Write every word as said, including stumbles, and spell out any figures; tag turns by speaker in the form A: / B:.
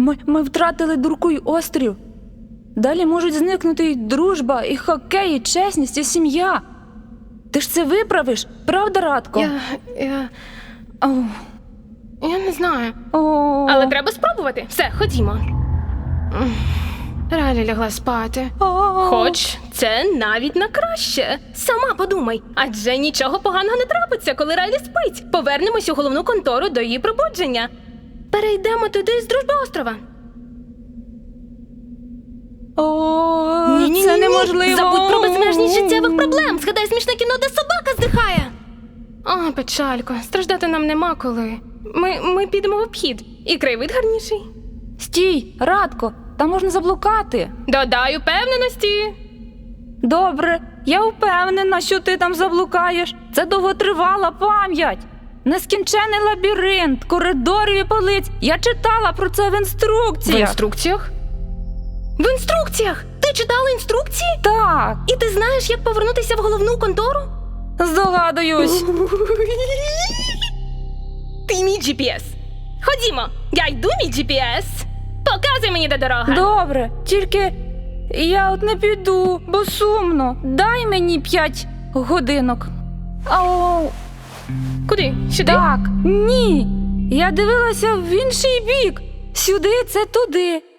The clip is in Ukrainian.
A: Ми, ми втратили Дуркуй острів. Далі можуть зникнути і дружба, і хокей, і чесність, і сім'я. Ти ж це виправиш, правда, Радко?
B: Я... я...
A: О,
B: я не знаю.
A: о.
B: Але треба спробувати. Все, ходімо. М, Райлі лягла спати.
A: О.
B: Хоч це навіть на краще. Сама подумай, адже нічого поганого не трапиться, коли Райлі спить. Повернемось у головну контору до її пробудження. Перейдемо туди з Дружби острова.
A: О,
B: Ні-ні-ні-ні.
A: це неможливо.
B: Забудь про безмежність життєвих проблем. Згадай смішне кіно, де собака здихає. О, печалько, страждати нам нема коли. Ми, ми підемо в обхід. І краєвид гарніший.
A: Стій, Радко, там можна заблукати.
B: Додай упевненості.
A: Добре, я впевнена, що ти там заблукаєш. Це довготривала пам'ять. Нескінчений лабіринт, коридорів і полиць. Я читала про це в
B: В
A: інструкціях.
B: інструкціях? В інструкціях? Ти читала інструкції?
A: Так,
B: І ти знаєш, як повернутися в головну контору?
A: здогадуюсь.
B: Ти мій джі пі ес. Ходімо, я йду мій джі пі ес. Показуй мені, де дорога.
A: Добре, тільки я от не піду, бо сумно. Дай мені п'ять годинок. Ау,
B: Куди? Сюди?
A: так, ні. Я дивилася в інший бік. Сюди це туди.